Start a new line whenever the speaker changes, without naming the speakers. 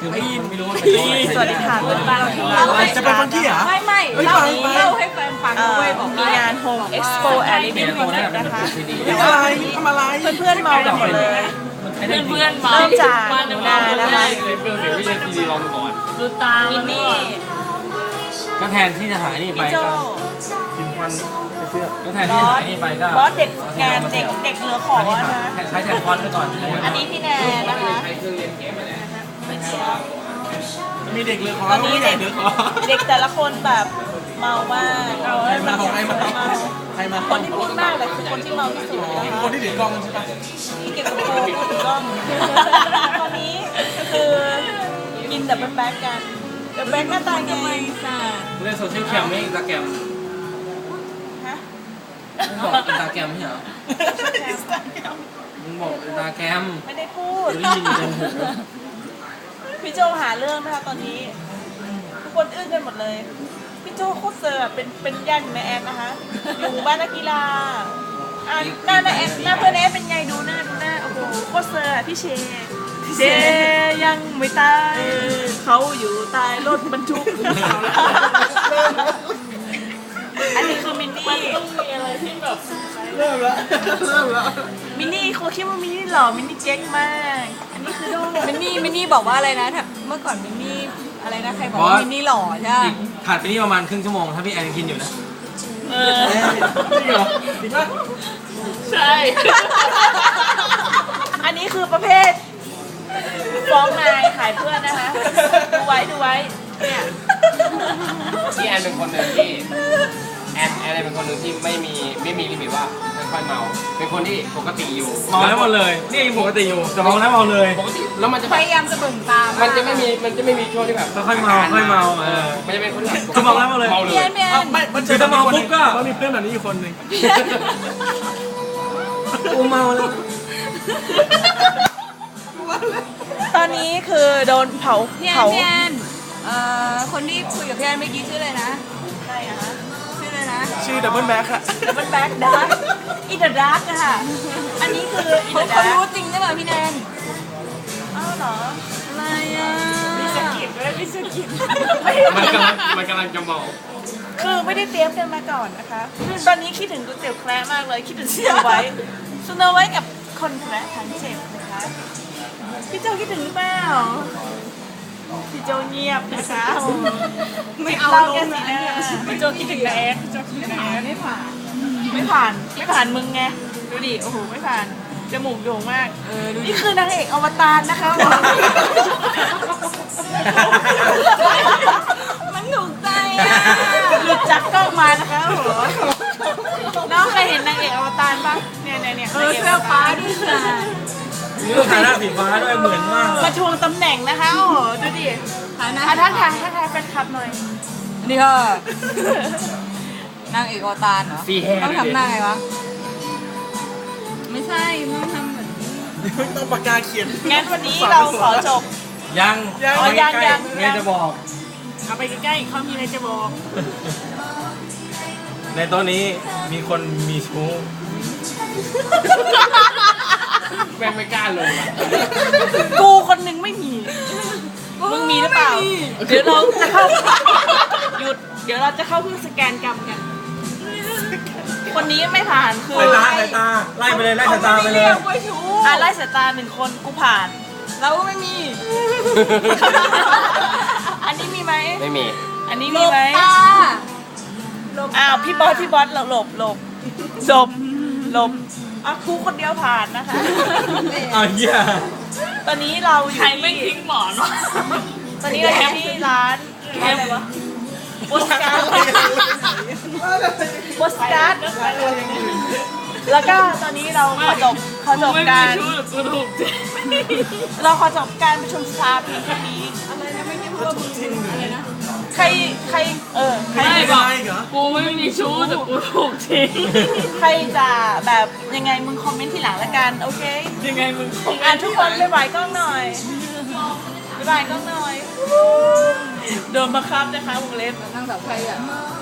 คือไม่รู้ว่า
สวัสดีค่ะเพื่อนบ้านเราที่มา
จะไปฟังกี้เหรอ
ไม่เล่าให้แฟนฟังด้วยบอกมีงาน Home Expo a l i v i n Project นะคะ
นี่อะไรทำอะไร
เพื่อนๆเมากันหมดเลย
เพื่อนๆมา
เริ่มจากหนูนานะคะ
เพื่อนๆวิทยาทีลองก่อน
ดูตามินนี่
ก็แทนที่จะหายนี่ไป
พี่โจ
กินควันไปเชื่อ
ก็แทนที่จะหายนี่ไปก็
บอสเด็กงานเด็กเหลือขอนะ
ใช้แทนฟอนต์ไปก่อน
อันนี้พี่แนนนะคะ
มีเด็กเลยขอ
ตอนนี้
ไม่ใหญ่เด็กขอ
เด็กแต่ละคนแบบเมามาก
ใครมาของใครมาใครมา
คนที่พูดมากเลยคือคนที่เมาที่สุดนะคะ
คนที่ถือกล้องใช่ปะ
ที่เก็บกับโฟมพูดถึงกล้องตอนนี้คือกินดับเบิลแบ็กกันดับเบิลแบ็กหน้าตาไง
เล่นโซเชียลแคมไม่อินสตาแกรม
ฮะ
มึงบอกอินสตาแกรมไม่เหรอมึงบอกอินสตาแกรม
ไม่ได้พูด
ได้ยินจนหู
พี่โจหาเรื่องนะคะตอนนี้ ทุกคนอึ้งกันหมดเลย พี่โจโคตรเซอร์เป็นญาติในแอนนะคะ อยู่บ้านนักกีฬาหน้าแอนหน้าเพื่อนแอนเป็นไงดูหน้าโอ้โหโคตรเซอร์พี่เชยังไม่ตายเขาอยู่ใต้รถบรรทุกอันนี้คือมินนี่ต้องมีอะไรที่แบบ
เริ่มแล้ว
มินนี่เขาคิดว่ามินนี่หล่อมินนี่เจ๊งมากอันนี้คือโด
มินนี่บอกว่าอะไรนะเมื่อก่อนมินนี่อะไรนะใครบอกว่ามินนี่หล่อใช่ไหม
อีกผ่านไปนี่ประมาณครึ่งชั่วโมงถ้าพี่แอนกินอยู่นะ
จริงเหรอจริงปะ
ใช่ อันนี้คือประเภทฟ้องนายขายเพื่อนนะคะดูไว้เนี่ย
ที่แอนเป็นคนหนึ่งที่แอนเป็นคนหนึ่งที่ไม่มีลิมิตว่าค่อยๆเมา เป็นคนที่ปกติอยู่
เมาแล้วเมาเลยนี่ยังปกติอยู่แต่เมาแล้วเมาเลย
ปกติแล้วมันจะ
พยายามจะเบิ่งตาม
มันจะไม่มีช่วงที่แบบ
ค่อยๆเมาค่อยๆเมา
มันจะเป็นคนแบบ
คือเมาแล้วเมาเลย
เมาเลย
เพี้ยน
ไม่มัน
คือถ้าเมาปุ๊บก็
มันมีเพื่อนแบบนี้อยู่คนหนึ่ง
กูเมาแล้ว
ตอนนี้คือโดนเผา
พี่แอนคนที่คุยกับพี่แอนเมื่อกี้ชื่ออะไรนะ
ใช่อะคะ
ชื่ออะไรนะ
ชื่อดับเบิลแบ็คอะ
ดับเบิลแบ็กดาร์กอินเดอะดาร์กอะค่ะ อันนี้คืออิน
เขา
เดอะดาร์
รู้
ก
จริงใช่ป่ะพี่แนน
อ้าวเหรอ
อะไรอ่ะ
มีสกิปด้วยมีสกิป
มันกำลังจะเมา
คือไม่ได้เตรียมกันมาก่อนนะคะ ตอนนี้คิดถึงก๋วยเตี๋ยวแคระมากเลย คิดถึงสโนไวท์กับคนแคระทั้งเจ็ดนะคะ พี่โจคิดถึงหรือเปล่าพี่โจเงียบนะคะไม่เอาลงนะพี่โจคิดถึงนะแอ๊กพี่โจคิดถึงนะแอ๊กไม่ผ่านมึงไง ดูดิ โอ้โห ไม่ผ่าน จมูกโด่งมาก นี่คือนางเอกอวตารนะคะ
มันถูกใจอ่ะ
หลุดจากกล้องมานะคะโอ้โหน้องเคยเห็นนางเอกอวตารปะเนี่ย
เสื้อฟ้าด้วยค่ะ
นี่ก็ทาหน้าสีฟ้าด้วยเหมือนมาก
มาทวงตำแหน่งนะคะ โอ้โห ดูดิ
ฐานะ
ทักทายแฟนคลับหน่อย
นี่ค่ะนางเอกอวตารเหรอ
ฟรีแฮร์
ต้องทำหน้าไงวะ ไม่ใช่ต้องทำแบบนี้
ต้องปากกาเขียน
งั้นวันนี้เราขอจบ
ยัง
อ๋อยัง
ไงจะบอก
เอาไปใกล้ๆเขามีอะไรจะบอก
ในโต๊ะนี้มีคนมีชู้
แม่งไม่กล้าลงอะ
กูคนหนึงไม่มี มึงมีหรือเปล่า เดี๋ยวเราจะเข้าหยุด เดี๋ยวเราจะเข้าเพื่อสแกนกรรมกัน คนนี้ไม่ผ่านคือ
สายตาไล่ไปเลยไล่สายตาไปเลย
ไล่สายตาหนึ่งคนกูผ่าน
เราก็ไม่มี
อันนี้มีไหม
ไม่มี
อันนี้มีไหม
ตา
อ้าวพี่บอสเราหลบอ่ะครูคนเดียวผ่านนะคะ
อ้าวเหี้ย
ตอนนี้เราอยู่ที่ไม่ทิ้งหมอนตอนนี้เราอยู่ที่ร้านอะไรวะโปสการ์ดแล้วก็ตอนนี้เราขอจบการเราขอจบการประชุมสภาเพียงแค่นี้อะไรนะไม่ได้พูดอะไรนะใครใครบอก
กูไม่มีชู้แต่กูถูกทิ้ง
ใครจะแบบยังไงมึงคอมเมนต์ทีหลังละกันโอเค
ยังไงมึง
ทุกคนบ๊ายบายกล้องหน่อยโดนบังคับนะคะวงเล็บ
นางสาวไทยอ่ะ